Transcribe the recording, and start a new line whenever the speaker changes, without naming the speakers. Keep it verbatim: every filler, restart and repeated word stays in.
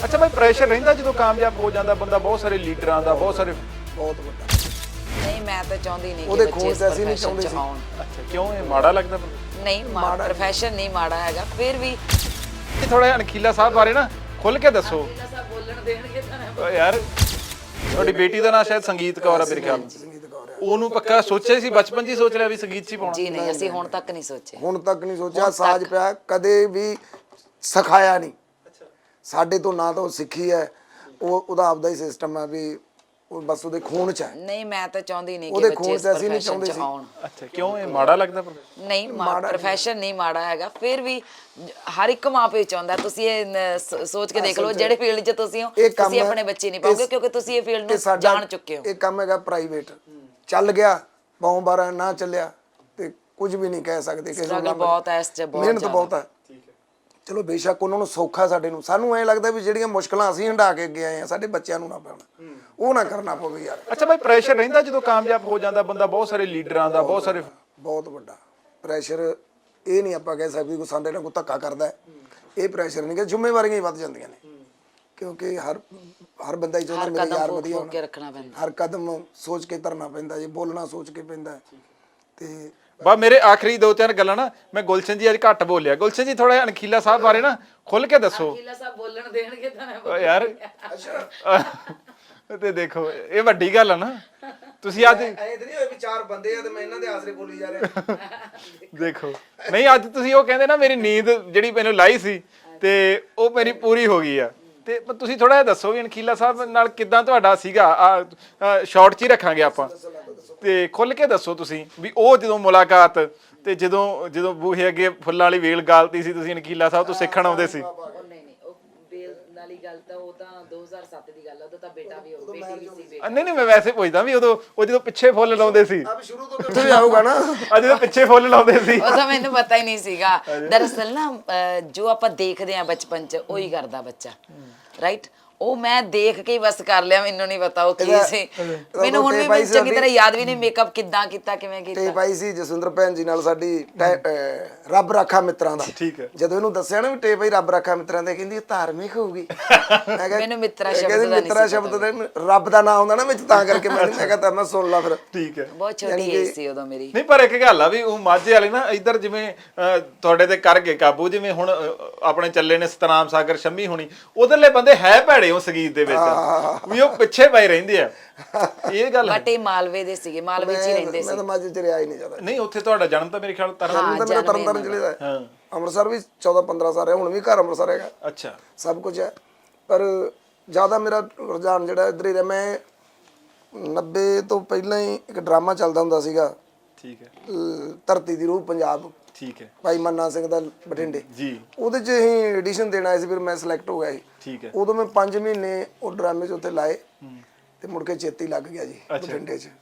ਅੱਛਾ ਭਾਈ, ਪ੍ਰੈਸ਼ਰ ਰਹਿੰਦਾ ਜਦੋਂ ਕਾਮਯਾਬ ਹੋ ਜਾਂਦਾ ਬੰਦਾ, ਬਹੁਤ ਸਾਰੇ ਲੀਡਰਾਂ ਦਾ, ਬਹੁਤ ਸਾਰੇ
ਬਹੁਤ ਵੱਡਾ।
ਨਹੀਂ ਮੈਂ ਤਾਂ ਚਾਹੁੰਦੀ ਨਹੀਂ
ਉਹਦੇ
ਕਿ ਬੱਚੇ
ਖੂਨ
ਇਸ
ਚ ਅਸੀਂ ਨਹੀਂ
profession
ਚਾਹੁੰਦੇ
ਚ
ਸੀ।
ਆਉਣ।
ਅੱਛਾ, ਕਿਉਂ ਇਹ ਮਾੜਾ ਲੱਗਦਾ?
ਨਹੀਂ ਮਾੜਾ ਪ੍ਰੋਫੈਸ਼ਨ ਨਹੀਂ ਮਾੜਾ ਹੈਗਾ, ਫਿਰ ਵੀ
ਥੋੜਾ ਜਿਹਾ ਅਣਖੀਲਾ ਸਾਹਿਬ ਬਾਰੇ ਨਾ ਖੁੱਲ ਕੇ ਦੱਸੋ।
ਬੋਲਣ ਦੇਣਗੇ ਤਾਂ
ਓ ਯਾਰ, ਤੁਹਾਡੀ ਬੇਟੀ ਦਾ ਨਾਂ ਸ਼ਾਇਦ ਸੰਗੀਤ ਕੌਰ ਆ ਮੇਰੇ ਖਿਆਲ ਨਾਲ।
ਸੰਗੀਤ ਕੌਰ ਹੈ।
ਉਹਨੂੰ ਪੱਕਾ ਸੋਚਿਆ ਸੀ ਬਚਪਨ 'ਚ ਹੀ ਸੋਚ ਲਿਆ ਵੀ ਸੰਗੀਤ 'ਚ ਹੀ ਪਾਉਣਾ?
ਜੀ ਨਹੀਂ, ਅਸੀਂ ਹੁਣ ਤੱਕ ਨਹੀਂ ਸੋਚਿਆ।
ਹੁਣ ਤੱਕ ਨਹੀਂ ਸੋਚਿਆ। ਸਾਜ ਪਿਆ ਕਦੇ ਵੀ ਸਿਖਾਇਆ ਨਹੀਂ ਸਾਡੇ ਤੋਂ, ਨਾ ਤਾਂ ਉਹ ਸਿੱਖੀ ਹੈ, ਉਹ ਉਹਦਾ ਆਪਦਾ ਹੀ ਸਿਸਟਮ ਹੈ ਵੀ ਉਹ ਬਸ ਉਹਦੇ ਖੂਨ ਚ ਹੈ।
ਨਹੀਂ ਮੈਂ ਤਾਂ ਚਾਹੁੰਦੀ ਨਹੀਂ ਕਿ
ਉਹਦੇ
ਬੱਚੇ
ਖੂਨ
ਇਸ
ਚ ਅਸੀਂ ਨਹੀਂ
profession
ਚਾਹੁੰਦੇ
ਚ
ਸੀ।
ਆਉਣ।
ਅੱਛਾ, ਕਿਉਂ ਇਹ ਮਾੜਾ ਲੱਗਦਾ?
ਨਹੀਂ ਪ੍ਰੋਫੈਸ਼ਨ ਨਹੀਂ ਮਾੜਾ ਹੈਗਾ, ਫਿਰ ਵੀ ਹਰ ਇੱਕ ਮਾਂ ਪਿਓ ਚਾਹੁੰਦਾ। ਤੁਸੀਂ ਇਹ ਨ- ਸ- ਸੋਚ ਕੇ ਦੇਖ ਲਓ, ਜਿਹੜੇ ਫੀਲਡ 'ਚ ਤੁਸੀਂ ਹੋ,
ਇਹ ਕੰਮ
ਤੁਸੀਂ
ਹੈ-
ਆਪਣੇ ਬੱਚੇ ਨਹੀਂ ਪਾਓਗੇ ਕਿਉਂਕਿ ਤੁਸੀਂ ਇਹ ਫੀਲਡ
ਇਹ
ਨੂੰ
ਸਾਡਾ
ਜਾਣ ਚੁੱਕੇ ਹੋ।
ਇਹ ਕੰਮ ਹੈਗਾ ਪ੍ਰਾਈਵੇਟ, ਚੱਲ ਗਿਆ ਬਹੁ ਬਾਰਾ, ਨਾ ਚੱਲਿਆ ਤੇ ਕੁਝ ਵੀ ਨਹੀਂ ਕਹਿ ਸਕਦੇ ਕਿਸੇ
Struggle
ਨੂੰ।
ਬਹੁਤ ਹੈ ਇਸ 'ਚ, ਬਹੁਤ
ਮਿਹਨਤ
ਜ਼ਿਆਦਾ।
ਬਹੁਤ ਹੈ। ਚਲੋ ਬੇਸ਼ੱਕ ਉਹਨਾਂ ਨੂੰ ਸੌਖਾ, ਸਾਡੇ ਨੂੰ ਸਾਨੂੰ ਐਂ ਲੱਗਦਾ ਵੀ ਜਿਹੜੀਆਂ ਮੁਸ਼ਕਲਾਂ ਅਸੀਂ ਹੰਢਾ ਕੇ ਅੱਗੇ ਆਏ ਆ, ਸਾਡੇ ਬੱਚਿਆਂ ਨੂੰ ਨਾ ਪੈਣ, ਉਹ ਨਾ ਕਰਨਾ ਪਵੇ ਯਾਰ।
ਅੱਛਾ ਭਾਈ, ਪ੍ਰੈਸ਼ਰ ਰਹਿੰਦਾ ਜਦੋਂ ਕਾਮਯਾਬ ਹੋ ਜਾਂਦਾ ਬੰਦਾ, ਬਹੁਤ ਸਾਰੇ ਲੀਡਰਾਂ ਦਾ, ਬਹੁਤ ਸਾਰੇ
ਬਹੁਤ ਵੱਡਾ ਪ੍ਰੈਸ਼ਰ। ਇਹ ਨਹੀਂ ਆਪਾਂ ਕਹਿ ਸਕਦੇ ਕੋਈ ਸਾਡੇ ਨਾਲ ਕੋਈ ਧੱਕਾ ਕਰਦਾ ਹੈ, ਇਹ ਪ੍ਰੈਸ਼ਰ ਨਹੀਂ ਕਿ ਜ਼ਿੰਮੇਵਾਰੀਆਂ ਹੀ ਵੱਧ ਜਾਂਦੀਆਂ ਨੇ, ਕਿਉਂਕਿ ਹਰ ਹਰ ਬੰਦਾ ਹੀ ਚਾਹੁੰਦਾ
ਹਰ
ਮੇਰੇ
ਕਦਮ
ਯਾਰ
ਫੂਕ
ਵਧੀਆ
ਫੂਕ ਕੇ
ਹੋਣ।
ਰੱਖਣਾ ਪੈਂਦਾ।
ਹਰ ਕਦਮ ਸੋਚ ਕੇ ਧਰਨਾ ਪੈਂਦਾ ਜੀ, ਬੋਲਣਾ ਸੋਚ ਕੇ ਪੈਂਦਾ ਤੇ
ਬਾ ਮੇਰੇ ਆਖਰੀ ਦੋ ਤਿੰਨ ਗੱਲਾਂ ਨਾ, ਮੈਂ ਗੁਲਸ਼ਨ ਜੀ ਅੱਜ ਘੱਟ ਬੋਲਿਆ। ਗੁਲਸ਼ਨ ਜੀ ਥੋੜਾ ਜਿਹਾ ਅਣਖੀਲਾ ਸਾਹਿਬ ਬਾਰੇ ਨਾ ਖੁੱਲ ਕੇ ਦੱਸੋ।
ਅਕੀਲਾ ਸਾਹਿਬ ਬੋਲਣ ਦੇਣਗੇ ਤਾਂ ਮੈਂ
ਓ ਯਾਰ, ਤੇ ਦੇਖੋ ਇਹ ਵੱਡੀ ਗੱਲ ਆ ਨਾ। ਤੁਸੀਂ ਅੱਜ
ਐਂ ਤੇ ਨਹੀਂ ਹੋਏ ਵੀ ਚਾਰ ਬੰਦੇ ਆ ਤੇ ਮੈਂ ਇਹਨਾਂ ਦੇ ਆਸਰੇ ਬੋਲੀ ਜਾ ਰਿਹਾ।
ਦੇਖੋ, ਨਹੀਂ ਅੱਜ ਤੁਸੀਂ ਉਹ ਕਹਿੰਦੇ ਨਾ ਮੇਰੀ ਨੀਂਦ ਜਿਹੜੀ ਮੈਨੂੰ ਲਾਈ ਸੀ ਤੇ ਉਹ ਮੇਰੀ ਪੂਰੀ ਹੋ ਗਈ ਆ। ਤੇ ਪਰ ਤੁਸੀਂ ਥੋੜਾ ਜਿਹਾ ਦੱਸੋ ਵੀ ਅਣਖੀਲਾ ਸਾਹਿਬ ਨਾਲ ਕਿਦਾਂ ਤੁਹਾਡਾ ਸੀਗਾ। ਆ ਸ਼ਾਰਟ 'ਚ ਹੀ ਰੱਖਾਂਗੇ ਆਪਾਂ, ਤੇ ਖੁੱਲ ਕੇ ਦੱਸੋ ਤੁਸੀਂ ਵੀ ਉਹ ਜਦੋਂ ਮੁਲਾਕਾਤ, ਤੇ ਜਦੋਂ ਜਦੋਂ ਬੂਹੇ ਅੱਗੇ ਫੁੱਲਾਂ ਵਾਲੀ ਵੇਲ ਗਾਲਤੀ ਸੀ, ਤੁਸੀਂ ਅਣਖੀਲਾ ਸਾਹਿਬ ਤੋਂ ਸਿੱਖਣ ਆਉਂਦੇ ਸੀ।
ਉਹ ਨਹੀਂ ਨਹੀਂ, ਉਹ ਬੇਲ ਵਾਲੀ ਗੱਲ ਤਾਂ ਉਹ ਤਾਂ ਦੋ ਹਜ਼ਾਰ ਸੱਤ ਦੀ ਗੱਲ ਆ, ਉਦੋਂ ਤਾਂ ਬੇਟਾ ਵੀ ਹੋ, ਬੇਟੀ ਵੀ ਸੀ।
ਅ, ਨਹੀਂ ਨਹੀਂ, ਮੈਂ ਵੈਸੇ ਪੁੱਛਦਾ ਵੀ ਉਦੋਂ ਉਹ ਜਦੋਂ ਪਿੱਛੇ ਫੁੱਲ ਲਾਉਂਦੇ ਸੀ,
ਅਬ ਸ਼ੁਰੂ ਤੋਂ ਕਿੱਥੇ ਆਊਗਾ ਨਾ।
ਆ ਜਦੋਂ ਪਿੱਛੇ ਫੁੱਲ ਲਾਉਂਦੇ ਸੀ।
ਉਹ ਤਾਂ ਮੈਨੂੰ ਪਤਾ ਹੀ ਨਹੀਂ ਸੀਗਾ। ਦਰਅਸਲ ਨਾ ਅਹ, ਜੋ ਆਪਾਂ ਦੇਖਦੇ ਆ ਬਚਪਨ 'ਚ ਉਹੀ ਕਰਦਾ ਬੱਚਾ, ਰਾਈਟ। ਉਹ ਮੈਂ ਦੇਖ ਕੇ ਹੀ ਬਸ ਕਰ ਲਿਆ, ਮੈਨੂੰ ਨਹੀਂ ਪਤਾ ਉਹ ਕੀ ਸੀ। ਮੈਨੂੰ ਹੁਣ ਵੀ ਮੈਨੂੰ ਚੰਗੀ ਤਰ੍ਹਾਂ ਯਾਦ ਵੀ ਨਹੀਂ ਮੇਕਅਪ ਕਿੱਦਾਂ ਕੀਤਾ, ਕਿਵੇਂ ਕੀਤਾ।
ਤੇ ਪਾਈ ਸੀ ਜਸਵਿੰਦਰ ਭੈਣ ਜੀ ਨਾਲ ਸਾਡੀ ਟੈ- ਅਹ ਰੱਬ ਰਾਖਾ ਮਿੱਤਰਾਂ ਦਾ।
ਠੀਕ ਹੈ।
ਜਦੋਂ ਇਹਨੂੰ ਦੱਸਿਆ ਨਾ ਵੀ ਟੇ ਭਾਈ ਰੱਬ ਰਾਖਾ ਮਿੱਤਰਾਂ ਦੇ, ਕਹਿੰਦੀ ਇਹ ਧਾਰਮਿਕ ਹੋਊਗੀ। ਮੈਂ ਕਿਹਾ
ਮੈਨੂੰ ਮਿੱਤਰਾ
ਇਹ
ਸ਼ਬਦ
ਕਹਿੰਦੀ
ਦਾ ਨਹੀਂ
ਮਿੱਤਰਾ
ਸੀ
ਸ਼ਬਦ ਦੇ ਰੱਬ ਦਾ ਨਾਮ ਹੁੰਦਾ ਨਾ ਵਿੱਚ, ਤਾਂ ਕਰਕੇ ਮੈਂ ਮੈਂ ਕਿਹਾ ਤਾਂ ਮੈਂ ਸੁਣ ਲਾ ਫਿਰ।
ਠੀਕ ਹੈ।
ਬਹੁਤ ਛੋਟੀ ਏਜ ਸੀ ਉਦੋਂ ਮੇਰੀ।
ਨਹੀਂ ਪਰ ਇੱਕ ਗੱਲ ਆ ਵੀ ਉਹ ਮਾਝੇ ਵਾਲੇ ਨਾ ਇੱਧਰ ਜਿਵੇਂ ਅਹ, ਤੁਹਾਡੇ ਤੇ ਕਰ ਗਏ ਕਾਬੂ, ਜਿਵੇਂ ਹੁਣ ਅਹ, ਆਪਣੇ ਚੱਲੇ ਨੇ ਸਤਨਾਮ ਸਾਗਰ, ਸ਼ੰਮੀ ਹੋਣੀ, ਉਧਰਲੇ ਬੰਦੇ ਹੈ ਭੈੜੇ ਉਹ ਸੰਗੀਤ ਦੇ ਵਿੱਚ, ਵੀ ਉਹ ਪਿੱਛੇ ਪਏ ਰਹਿੰਦੇ ਆ। ਇਹ ਗੱਲ ਹੈ।
ਬਟ ਇਹ ਮਾਲਵੇ ਦੇ ਸੀਗੇ, ਮਾਲਵੇ 'ਚ ਹੀ ਰਹਿੰਦੇ
ਮੈਂ
ਸੀ।
ਤਾਂ ਮਾਝੇ ਚ ਰਿਹਾ ਹੀ ਨਹੀਂ ਜ਼ਿਆਦਾ।
ਨਹੀਂ ਉੱਥੇ ਤੁਹਾਡਾ ਜਨਮ ਤਾਂ ਮੇਰੇ ਖਿਆਲ ਤਰਨ।
ਜਨਮ ਤਾਂ ਮੇਰਾ ਤਰਨ ਤਾਰਨ ਜ਼ਿਲ੍ਹੇ ਦਾ ਹੈ।
ਹਾਂ,
ਅੰਮ੍ਰਿਤਸਰ ਵੀ ਚੌਦਾਂ ਪੰਦਰਾਂ ਸਾਲ ਹੈ, ਹੁਣ ਵੀ ਘਰ ਅੰਮ੍ਰਿਤਸਰ ਹੈਗਾ,
ਅੱਛਾ।
ਸਭ ਕੁਝ ਹੈ। ਪਰ ਜ਼ਿਆਦਾ ਮੇਰਾ ਰੁਝਾਨ ਜਿਹੜਾ ਇੱਧਰ ਹੀ ਰਿਹਾ। ਮੈਂ ਨੱਬੇ ਤੋਂ ਪਹਿਲਾਂ ਹੀ ਇੱਕ ਡਰਾਮਾ ਚੱਲਦਾ ਹੁੰਦਾ ਸੀਗਾ,
ਠੀਕ ਹੈ,
ਅਹ ਧਰਤੀ ਦੀ ਰੂਹ ਪੰਜਾਬ,
ਠੀਕ ਹੈ
ਭਾਈ ਮੰਨਾ ਸਿੰਘ ਦਾ, ਬਠਿੰਡੇ।
ਜੀ,
ਉਹਦੇ 'ਚ ਅਸੀਂ ਐਡੀਸ਼ਨ ਦੇਣ ਆਏ ਸੀ, ਫਿਰ ਮੈਂ ਸਿਲੈਕਟ ਹੋ ਗਿਆ ਸੀ।
ਠੀਕ ਹੈ।
ਉਦੋਂ ਮੈਂ ਪੰਜ ਮਹੀਨੇ ਉਹ ਡਰਾਮੇ 'ਚ ਉੱਥੇ ਲਾਏ ਤੇ ਮੁੜ ਕੇ ਚੇਤੀ ਲੱਗ ਗਿਆ ਜੀ
ਅੱਛਾ।
ਬਠਿੰਡੇ 'ਚ।